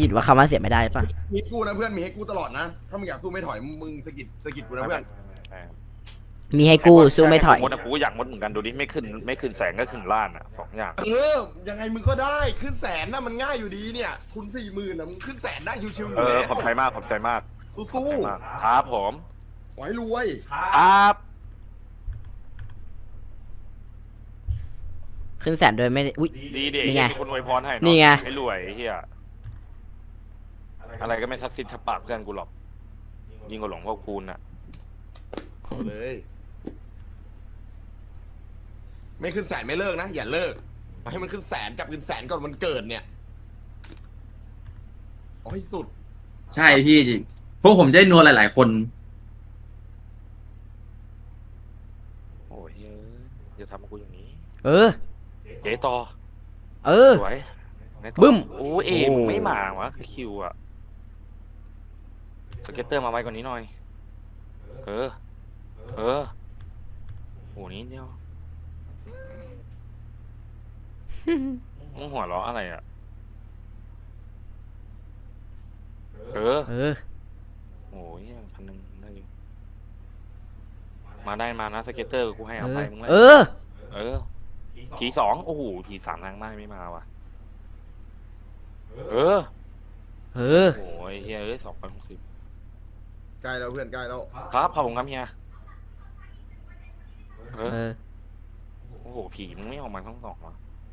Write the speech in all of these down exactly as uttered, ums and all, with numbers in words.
กิดว่าคำว่าเสียไม่ได้ป่ะมีกูนะเพื่อนมีให้กูตลอดนะถ้ามึงอยากสู้ไม่ถอยมึงสกิดสกิดกูนะเพื่อนมีให้กูสู้ไม่ถอยมดอะกูอยากมดเหมือนกันดูดิไม่ขึ้นไม่ขึ้นแสงก็ขึ้นล้านอ่ะสองอย่างเออยังไงมึงก็ได้ขึ้นแสนนะมันง่ายอยู่ดีเนี่ยทุนสี่หมื่นนะมึงขึ้นแสนได้ชิวๆอเอยู่อแล้วขอบใจมากขอบใจมากสู้ๆครับผมๆขอให้รวยครับขึ้นแสนโดยไม่ได้อุ้ยดีเด็กนี่ไงมีคนอวยพรให้นี่ไงให้รวยไอ้เฮียอะไรก็ไม่ซัดซิดทับปากเพื่อนกูหรอกยิ่งกว่าหลวงพ่อคูณอ่ะเอาเลย ไม่ขึ้นแสนไม่เลิกนะอย่าเลิกเอาให้มันขึ้นแสนจับขึ้นแสนก่อนมันเกิดเนี่ยเอาให้สุดใช่พี่จริงพวกผมจะได้นัวหลาย ๆ คนโอ้ยเฮ้ยอย่าทำกับกูอย่างนี้เออเจ๊ต่อเออสวยไหนต่อบึ้มโอ้เอมึงไม่มาวะคิวอะสเก็ตเตอร์มาไว้กว่านี้หน่อยเออเออโหนี้เดียวมึงหัวเราะอะไรอะเออเออโอ้ยพันหนึ่งได้อยู่มาได้มานะสเก็ตเตอร์กูให้เอาไปมึงเลยเออเออทีสองโอ้โหทีสามทางได้ไม่มาว่ะเออเออโอ้ยเฮียเอ้ยสองพันหกสิบใกล้แล้วเพื่อนใกล้แล้วครับขอบคุณครับเฮียเออเออโอ้โหผีมึงไม่ออกมาทั้งสองวะ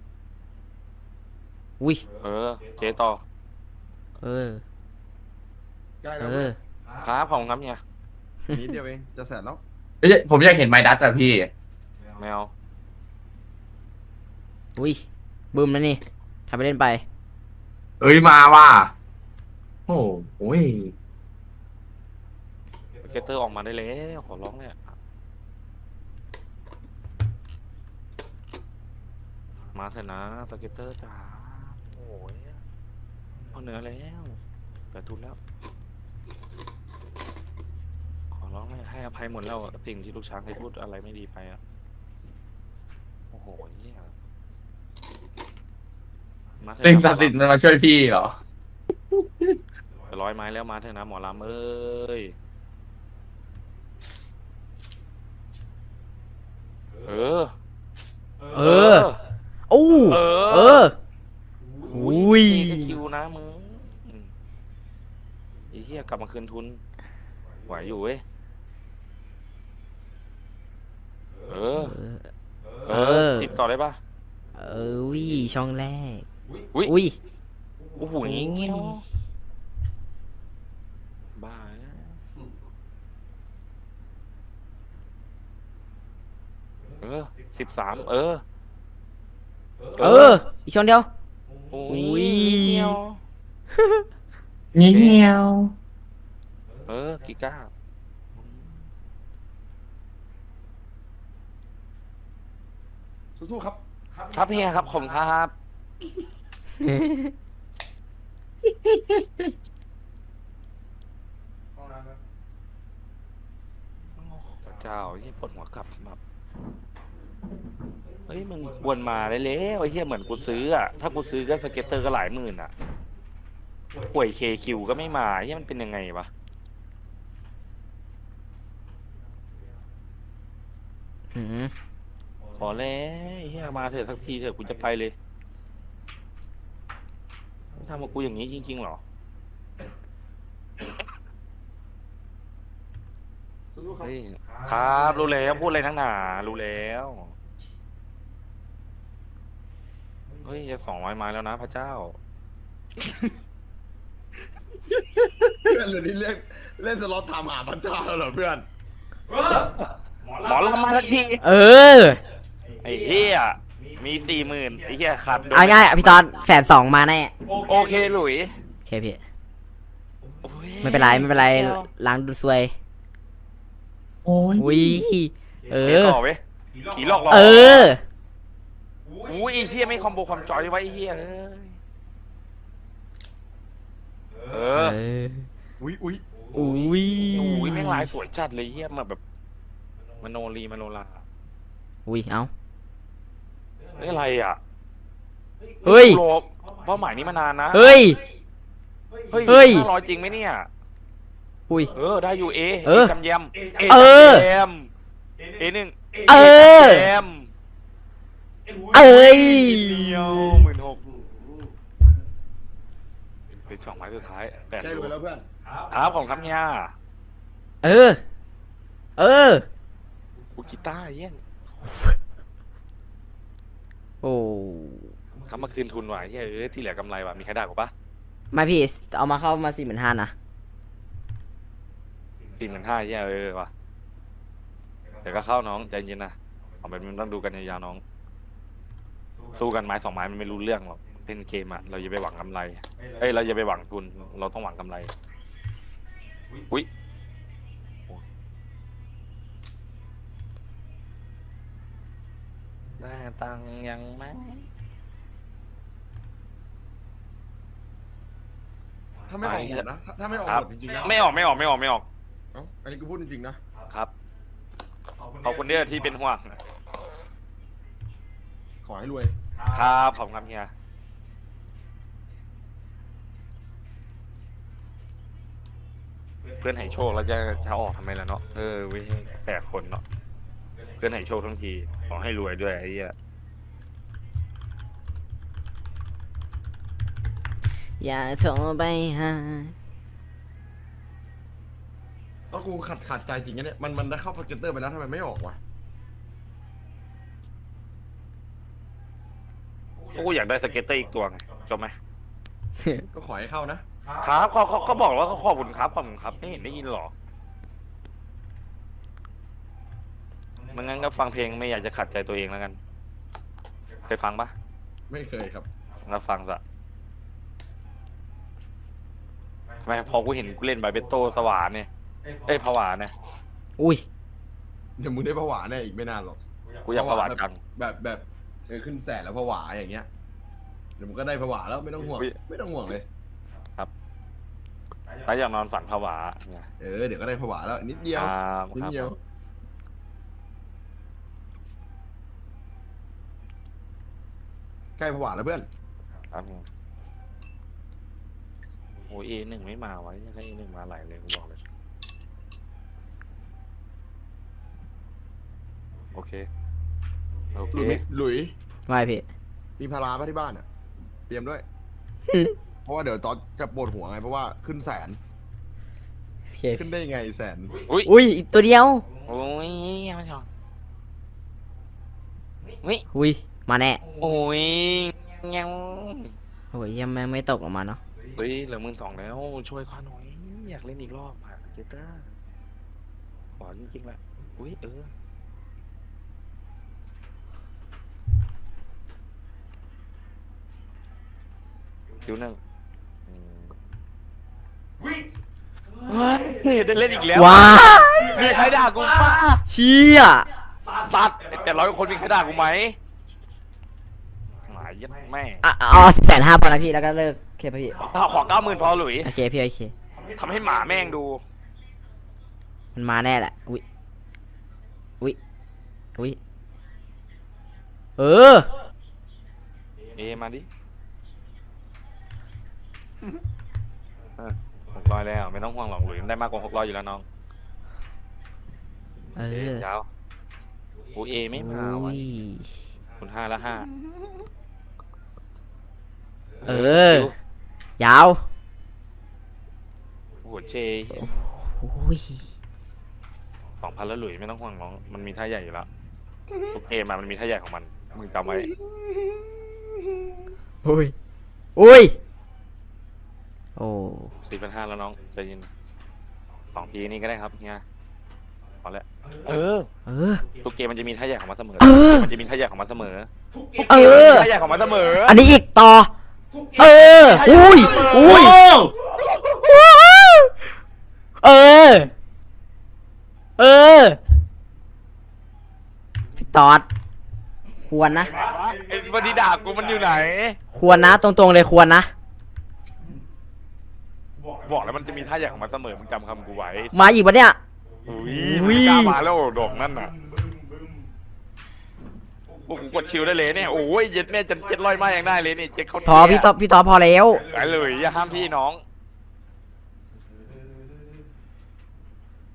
อุ้ยเออเจต่อเออใกล้เอแล้วเพื่ออนครับขอบคุณครับเฮียนิดเดียวเองจะแสนแล้วเอ้ยผมอยากเห็นไมดัสอะพี่แมวอุ้ยบึ้มแล้วนี่ทำไปเล่นไปเอ้ยมาว่ะโอ้โหยสเก็ตเตอร์ออกมาได้แล้วขอร้องเลยมาเถอะนะสเก็ตเตอร์จ๋าโอ้ยเอาเหนือแล้วแต่ทุนแล้วขอร้องเลยให้อภัยหมดแล้วอะสิ่งที่ลูกช้างเคยพูดอะไรไม่ดีไปอ่ะโอ้โหเนี่ยมาเถอะเล่นนะศักดิ์สิทธิ์มันมาช่วยพี่เหรอจะร้อยไม้แล้วมาเถอะนะหมอลำเอ้ยเออเออ โอ้เออเออ อุ้ยนี่ก็คิวนะมึงอืมไอ้เหี้ยกลับมาคืนทุนไหวอยู่เว้ยเออ เออสิบต่อได้ปะเออวิช่องแรกอุ้ยอุ้ยโอ้โหอย่างงี้เนาะบ้านะเออสิบสามเออเออ อีกช่องเดียวโอ้อุ้ยยเงี้ยวเงี้ยวเออกิก้าสู้ๆครับครับเฮียครับผมครับพระเจ้าเฮียปวดหัวกลับแบบเฮ้ยมึงควรมาได้แล้วไอ้เฮียเหมือนกูซื้ออ่ะถ้ากูซื้อก็สเก็ตเตอร์ก็หลายหมื่นอ่ะป่วยเคคิวก็ไม่มาเฮียมันเป็นยังไงวะอืมขอแล้วเฮียมาเถอะสักทีเถอะกูจะไปเลยทำกับกูอย่างนี้จริงๆเหรอสู้ๆครับเฮ้ยครับรู้แล้วพูดอะไรนักหนารู้แล้วเฮ้ยจะสองร้อยไม้แล้วนะพระเจ้าเพื่อนเหรือนี่เล่นเล่นสล็อตถามหาพระเจ้าแล้วเหรอเพื่อนหมอลำมาสักทีเออไอ้เฮียมีสี่หมื่นไอ้เฮียขาดเอาง่ายๆพี่ตอนแสนสองมาแน่โอเคหลุยโอเคพี่โอ้ยไม่เป็นไรไม่เป็นไรล้างดูซวยโอ้ยอุ้ย เอเออต่อเว้ยขี่หลอกหลอกเอออุ้ยไอ้เฮียไม่คอมโบความจอยไว้ไอ้เฮียเอ้ยเอเออออุ้ยอุ้ยอุ้ยอุ้ยแม่งลายสวยจัดเลยเฮียมาแบบมโนรีมโนราอุ้ย เอ้าเฮ้ยอะไรอ่ะเฮ้ยโลเป้าหมายนี้มานานนะเฮ้ยเฮ้ยเฮ้ยห้าร้อยจริงไหมเนี่ยอุ้ยเออได้อยู่เอเออจำแยมเออจำแยมเอหนึ่งเออแยมเอ้ยเดียวหมื่นหกเป็นสองไม้สุดท้ายแปดใกล้รวยแล้วเพื่อนครับของครับเฮียเออ เออกูกีตาร์เยี่ยนโอ้เขามาคืนทุนว่ะเฮ้ยเออที่เหลือกำไรว่ะมีใครด่ากูปะไม่พี่เอามาเข้ามาสี่หมื่นห้านะสี่หมื่นห้าเฮ้ยเออว่ะเดี๋ยวก็เข้าน้องใจเย็นนะเอาไปมันต้องดูกันยาวๆน้อง สู้กันไม้สองไม้มันไม่รู้เรื่องหรอกเล่นเกมอะเราอย่าไปหวังกำไรเอ้ยเราอย่าไปหวังทุนเราต้องหวังกำไรอุ้ยได้ตังค์ยังไหมถ้าไม่ออกหมดนะถ้าถ้าไม่ออกครัหบมดจริงๆนะไม่ออกไม่ออกไม่ออกไม่ออกเอ้าอันนี้กูพูดจริงๆนะครับขอบคุณเด้อที่เป็นห่วงขอให้รวยครับขอบคุณครับเฮียเพื่อนให้โชคแล้วจะจะออกทำไมล่ะเนาะเออเว้ยแปลกคนเนาะเพื่อนให้โชคทั้งทีขอให้รวยด้วยไอ้เหี้ยอย่าโทรไปหาแล้วกูขัดขัดใจจริงนะเนี่ยมันมันได้เข้าสเก็ตเตอร์ไปแล้วทำไมไม่ออกวะกูอยากได้สเก็ตเตอร์อีกตัวไงจบไหมก็ขอให้เข้านะครับเขาเขาก็บอกว่าเขาขอบคุณครับขอบคุณครับไม่เห็นได้ยินหรอมันงั้นก็ฟังเพลงไม่อยากจะขัดใจตัวเองแล้วกันเคยฟังปะไม่เคยครับแล้วฟังซะทำไมพอกูเห็นกูเล่นบาเบโต้สว่านเนี่ยเอ้ยผวาเนี่ยอุ้ยเดี๋ยวมึงได้ผวาแน่อีกไม่นานหรอกกูอยากผวาจังแบบแบบเออขึ้นแสนแล้วผวาอย่างเงี้ยเดี๋ยวมึงก็ได้ผวาแล้วไม่ต้องห่วงไม่ต้องห่วงเลยแล้วอยากนอนฝันผวาเนี่ยเออเดี๋ยวก็ได้ผวาแล้วนิดเดียวครับนิดเดียวใกล้ผวาแล้วเพื่อนครับโอ้เอหนึ่งไม่มาไว้ยังไงเอหนึ่งมาไหลเลยกูบอกเลยโอเคโอหเคลุยหลุยไม่พี่มีพาราป่ะที่บ้านอ่ะ เตรียมด้วย เพราะว่าเดี๋ยวตอนจะปวดหัวไงเพราะว่าขึ้นแสนโอเคขึ้นได้ยังไงแสนอุ้ยอุ้ยอีกตัวเดียวโอ้ยไม่ชอบอุ้ยอุ้ยมาแน่โอ้ยยังโอ้ยยังไม่ไม่ตกออกมาเนาะเฮ้ยเหลือหมื่นสองแล้วช่วยข้าหน่อยอยากเล่นอีกรอบอ่ะเจต้าขอจริงๆแหละอุ้ยเออคิวหนึ่งอืมเฮ้ยได้เล่นอีกแล้วว้ามีใครด่ากูป้าเชี่ยสัตว์แต่ร้อยคนมีใครด่ากูไหมหมายยัดแม่อ่ะเอาแสนห้าพอนะพี่แล้วก็เลิกโอเคป่ะพี่ขอเก้าหมื่นพอหลุยโอเคพี่โอเคทำให้หมาแม่งดูมันมาแน่แหละอุ้ยอุ้ยอุ้ยเออเอมาดิหกร้อยแล้วไม่ต้องห่วงหรอกหลุยได้มากกว่าหกร้อยอยู่แล้วน้องเออเจ้าโอเอไม่มาอุ้วะยคุณห้าละห้าเออ ยาวหัวเจอุ้ยสองพันแล้วหลุยไม่ต้องห่วงน้องมันมีท่าใหญ่อยู่แล้วทุกเกมมามันมีท่าใหญ่ของมันมึงจำไว้อุ้ยอุ้ยโอ้สี่พันห้าแล้วน้องใจเย็นสองทีนี้ก็ได้ครับเฮียพอแล้วเออเออทุกเกมมันจะมีท่าใหญ่ของมันเสมอเออมันจะมีท่าใหญ่ของมันเสมอเออท่าใหญ่ของมันเสมออันนี้อีกต่อ เออ อุ้ย อุ้ย เออ เออ พี่ตอด ควรนะไอ้วันที่ด่ากูมันอยู่ไหนควรนะ ตรงๆเลยควรนะบอกแล้วมันจะมีท่าใหญ่ของมันเสมอมึงจำคำกูไว้มาอีกปะเนี่ยอุ้ยอุ้มึยงกล้ามาแล้วดอกนั่นน่ะกูกดชิลได้เลยเนี่ยโอ้ยเจ็ดแม่จะเจ็ดร้อยไม้ยังได้เลยนี่เจ็ดเขาพอพี่ตอพี่ตอพอแล้วไปเลยอย่าห้ามพี่น้อง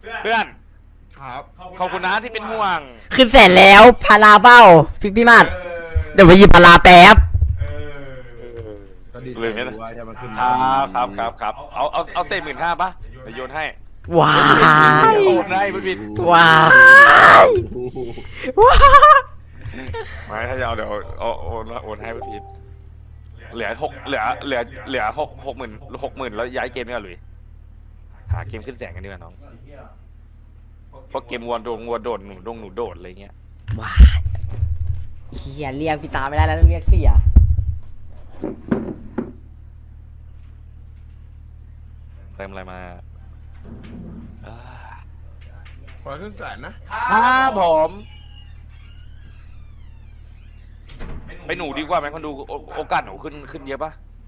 เพื่อนครับขอบคุณนะที่เป็นห่วงขึ้นแสนแล้วพาราเบ้าพี่พี่มาดเดี๋ยวไปหยิบพาราแป๊บก็ดีใจเลยเนี่ยรู้ว่าจะมาขึ้นครับครับครับครับเอาเอาเอาเศษหมื่นห้าป่ะเดี๋ยวโยนให้ว้ายโอนได้พี่บินว้ายว้ายไม่ถ้าจะเอาเดี๋ยวเอาโอนโอนให้พี่บินเหลือหกเหลือเหลือเหลือหกหกหมื่นหกหมื่นแล้วย้ายเกมนี่ก่อนหลุยหาเกมขึ้นแสงกันดีกว่าน้องเพราะเกมวัวโดนวัวโดดหนูดงหนูโดดอะไรเงี้ยว้ายเฮียเรียกพี่ตาไม่ได้แล้วต้องเรียกเสียเติมอะไรมาอ่าขอขึ้นแสนนะครับผมไปหนูดีกว่าไหมคนดูโอโอกาสหนูขึ้นขึ้นเยอะปะ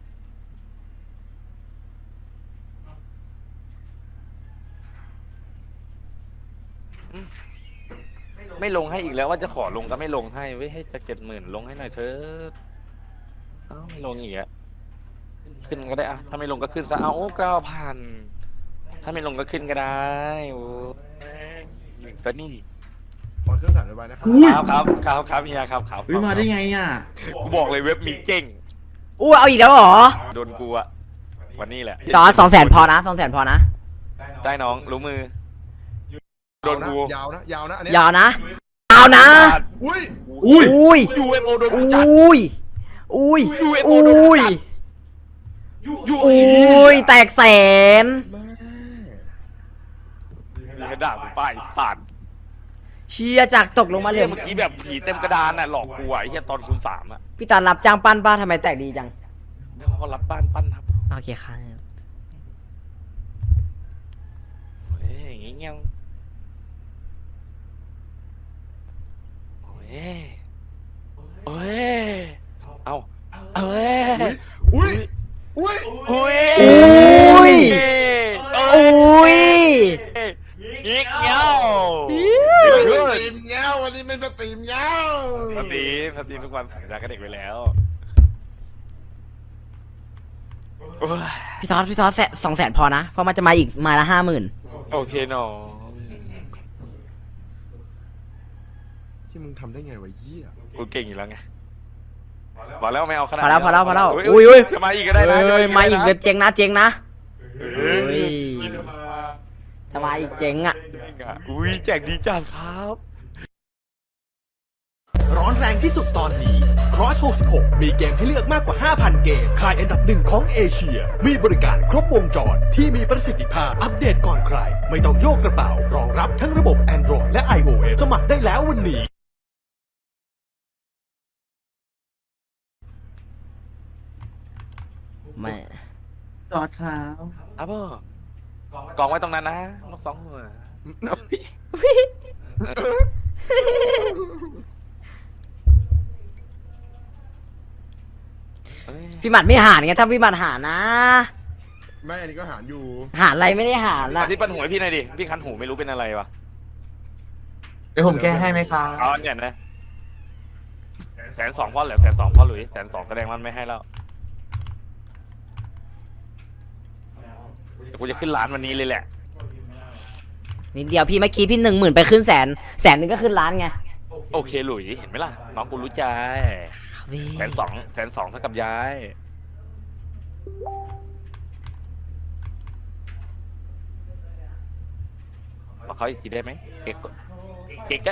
อืมไม่ลงให้อีกแล้วว่าจะขอลงก็ไม่ลงให้ไว้ยให้จะเจ็ดหมื่นลงให้หน่อยเถอะเอ้าไม่ลงอีกอะขึ้นก็ได้อะถ้าไม่ลงก็ขึ้นซะเอาเก้าพันถ้าไม่ลงก็ขึ้นก็ได้โอ้ยหนึ่งตัวนี่ขอขึ้นแสนไว้นะครับอุ้ยครับครับครับครับเฮียครับครับเฮ้ยมาได้ไงอ่ะกูบอกเลยเว็บมีเก่งอู้เอาอีกแล้วเหรอโดนกูอะวันนี้แหละจอสองแสนพอนะสองแสนพอนะได้น้องรู้มือ โดนกูยาวนะยาวนะอันเนี้ยยาวนะยาวนะอุ้ยอุ้ยอุ้ยยูเอฟโอโดนอกูจัดุ้ยอุ้ยยูเอฟโออุโดนกู้ยจัดยูอุ้ยแตกแสนแม่มีกระดาษกูป้ายสัตว์เชียจากตกลงมาเหลืเรื่อเมื่อกี้แบบผีเต็มกระดานน่ะหลอกกูอะไอ้เหี้ยตอนคูณสามอะพี่ตอนรับจ้างปั้นป้าทำไมแตกดีจังแล้วเขาก็รับบ้านปั้นครับโอเคครับเฮ้ยอย่างงี้เงี้ยโอ้ยโอ้ยเอาเอ้ยอุ้ยอุ้ยอุ้ยอุ้ยโอ้อุ้ยยิกเงี้ยวไม่สตรีมเงี้ยววันนี้ไม่สตรีมเงี้ยวสตรีมสตรีมทุกวันสัญญากับเด็กไปแล้วโอ้ยพี่ทอดพี่ทอดแสนสองแสนพอนะ เพราะมันจะมาอีกมาละห้าหมื่นโอเคน้องที่มึงทำได้ไงวะเยี่ยกูเก่งอยู่แล้วไงบอกแล้วไม่เอาขนาดพอแล้วพอแล้วพอแล้วยอุ้ยอุ้ยจะมาอีกก็ได้นะเอ้ยจะมาอีกได้นะเว็บเจ๊งนะเจ๊งนะเฮ้ยถ้ามาอีกเจ๊งอ่ะอุ้ยแจกดีจังครับร้อนแรงที่สุดตอนนี้ Cross หกสิบหก มีเกมให้เลือกมากกว่า ห้าพัน เกม ขายอันดับหนึ่งของเอเชีย มีบริการครบวงจรที่มีประสิทธิภาพ อัปเดตก่อนใคร ไม่ต้องโยกกระเป๋า รองรับทั้งระบบ Android และ iOS สมัครได้แล้ววันนี้ไม่จอดขาวอ่ะพ่อกองไว้ตรงนั้นนะนกสองหัวเอ้ยพี่หมัดไม่หารไงถ้าพี่หมัดหารนะแม่อันนี้ก็หารอยู่หารอะไรไม่ได้หารเอานะที่ปันหูให้พี่หน่อยดิ พี่คันหูไม่รู้เป็นอะไรวะเดี๋ยวผมแก้ให้ไหมครับเอาอันเนี่ยนะแสนสองพ่อเหลือแสนสองพ่อหลุยแสนสองแสดงมันไม่ให้แล้วเดี๋ยวกูจะขึ้นร้านวันนี้เลยแหละนิดเดียวพี่เมื่อกี้พี่หนึ่งหมื่นไปขึ้นแสนแสนหนึ่งก็ขึ้นล้านไงโอเคหลุยเห็นไหมล่ะ น้องกูรู้ใจครับพี่แสนสองแสนสองเท่ากับย้ายมาเขาอีกทีได้ไหมเก๊กเก๊กอะ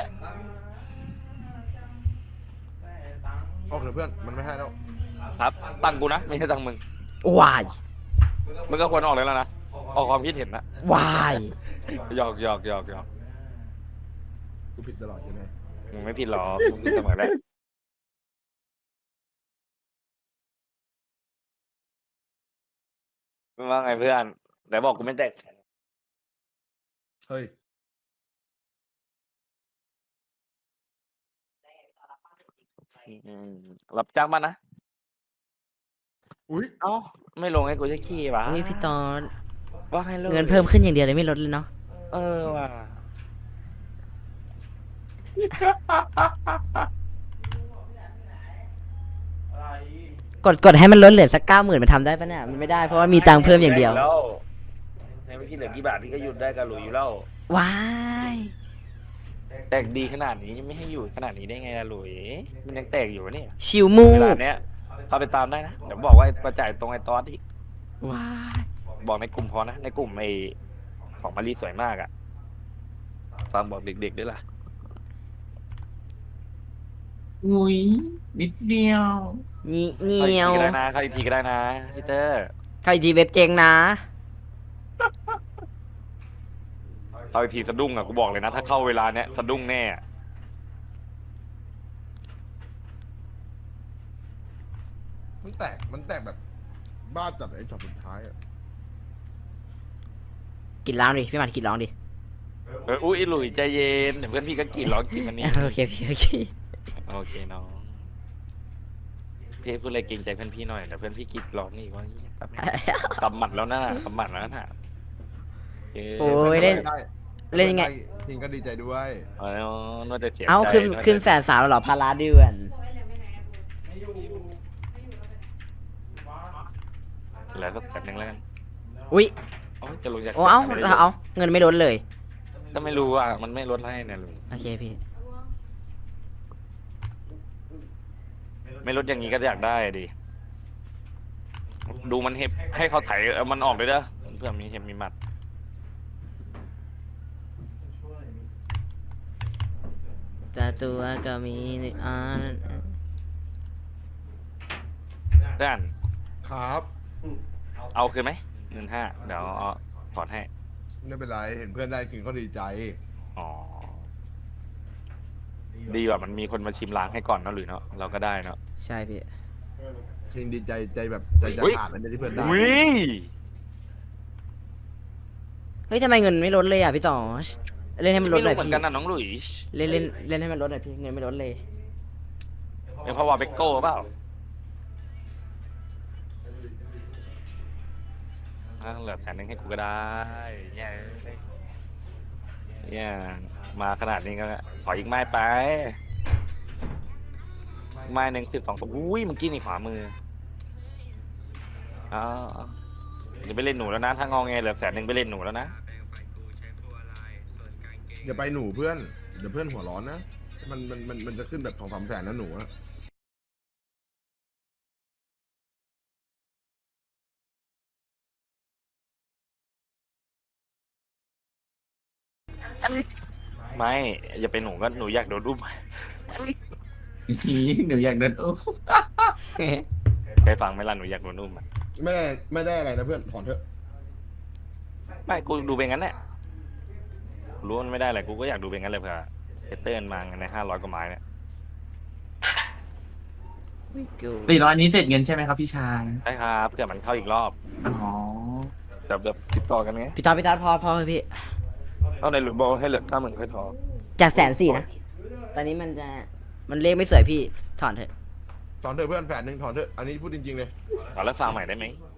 ออกเถอะเพื่อนมันไม่ให้แล้วครับ ตังค์กูนะ ไม่ใช่ตังค์มึงวายมึงก็ควรออกเลยแล้วนะ ออกความคิดเห็นนะวายหยอกหยอกหยอกหยอกกูผิดตลอดใช่ไหมมึงไม่ผิดหรอกมึงผิดเสมอแหละมึงว่าไงเพื่อนแต่บอกกูไม่แตกเฮ้ยอืมรับจ้างบ้านนะอุ้ยเอ้า ไม่ลงให้กูจะขี้วะอุ้ยพี่ตอนว่าให้ลงเงินเพิ่มขึ้นอย่างเดียวเลยไม่ลดเลยเนาะเออว่ะกดกดให้มันลดเหลือสักเก้าหมื่นมันทำได้ปะเนี่ยมันไม่ได้เพราะว่ามีตังค์เพิ่มอย่างเดียวแล้วในเมื่อกี้เหลือกี่บาทพี่ก็หยุดได้กับหลุยอยู่แล้วว้ายแตกดีขนาดนี้ยังไม่ให้อยู่ขนาดนี้ได้ไงล่ะหลุยมันยังแตกอยู่วะเนี่ยชิวมูเวลาเนี้ยเข้าไปตามได้นะเดี๋ยวบอกว่ามาจ่ายตรงไอ้ตอสที่ว้ายบอกในกลุ่มพอนะในกลุ่มไอ้ของมารีสวยมากอะฟังบอกเด็กๆด้วยล่ะอุ้ยนิดเดียวนี่เหนีเข้าอีกยวทีก็ได้นะเข้าอีกทีก็ได้นะพี่เตอร์ใครดีเว็บเจงนะเข้าอีกทีสะดุ้งอะกูบอกเลยนะถ้าเข้าเวลาเนี้ยสะดุ้งแน่อะมันแตกมันแตกแบบบ้าจัดไอ้ช็อตสุดท้ายอะกินร้องดิพี่หมันกินร้องดิเอออุ้ยหลุยใจเย็นเดี๋ยวเพื่อนพี่ก็กรีดร้องกินมันนี่โอเคพี่โอเคโอเคน้องพี่พูดอะไรเกรงใจเพื่อนพี่หน่อยเดี๋ยวเพื่อนพี่กรีดร้องนี่ว่าแบบกำหมัดแล้วนะกำหมัดแล้วนะเออโอ้ยเล่นได้เล่นยังไงพิงก็ดีใจด้วยเออนวดแต่เสียใจเอาขึ้นวดแต่ขึ้นแสนสามแล้วเหรอพาราเดือนเหลือสักแสนหนึ่งแล้วกันอุ้ยโอ้ยจะลงจากโอ้เอาไม่ได้ลงเอาเงินไม่ลดเลยก็ไม่รู้อ่ะมันไม่ลดให้เนี่ยลุงโอเคพี่ไม่ลดอย่างนี้ก็อยากได้ดิดูมันเห็บให้เขาไถเอามันออกเลยเด้อเพื่อมีเห็บมีหมัดแต่ตัวก็มีหนึ่งอันเพื่อนครับเอาคืนไหมเงินห้าเดี๋ยวเอาถอนให้ไม่เป็นไรเห็นเพื่อนได้คืนก็ดีใจอ๋อดีกว่ามันมีคนมาชิมล้างให้ก่อนเนอะหรือเนาะเราก็ได้เนาะใช่พี่จริงดีใจใจแบบใจจะอุ๊ยขาดเลยที่เพื่อนได้อุ้ยเฮ้ยทำไมเงินไม่ลดเลยอ่ะพี่ต่อเล่นให้มันลไม่ดหน่รู้อยเหมือนพี่กันนะน้องหลุยส์เล่นเล่นเล่นให้มันลดหน่อยพี่เงินไม่ลดเลยเป็นเพราะว่าเบกโก้เปล่าอ่ะเหลือแสนหนึ่งให้กูก็ได้เนี่ยเนี่ยมาขนาดนี้ก็ขออีกไม้ไปไม้หนึ่งสิบสองตัวอุ้ยเมื่อกี้นี่ขวามือเอ๋อจะไปเล่นหนูแล้วนะถ้างองแงเหลือแสนหนึ่งไปเล่นหนูแล้วนะอย่าไปหนูเพื่อนเดี๋ยวเพื่อนหัวร้อนนะมันมันมันมันจะขึ้นแบบสองสามแสนนะหนูอะไม่อย่าไปหนูก็หนูอยากโดนอุ้มอีหนูอยากเดินอุ้มเคยฟังไหมล่ะหนูอยากโดนอุ้มอะไม่ได้ไม่ได้อะไรนะเพื่อนถอนเถอะไม่กูดูเป็นงั้นแหละรู้ว่ามันไม่ได้อะไรกูก็อยากดูเป็นงั้นเลยเผื่อเทเตอร์มาในห้าร้อยกว่าไม้เนี่ยสี่ร้อยนี้เสร็จเงินใช่ไหมครับพี่ชายใช่ครับเผื่อมันเข้าอีกรอบอ๋อแบบแบบติดต่อกันไงพี่ต่อพี่ต่อพอพอเลยพี่เอาในหรือบอกให้เหลือห้าหมื่นค่อยทอจากแสนสี่นะตอนนี้มันจะมันเลขไม่สวยพี่ถอนเถอะถอนเถอะเพื่อนแสนหนึ่งถอนเถอะอันนี้พูดจริงๆเลยเอาแล้วฟาร์มใหม่ได้ไหม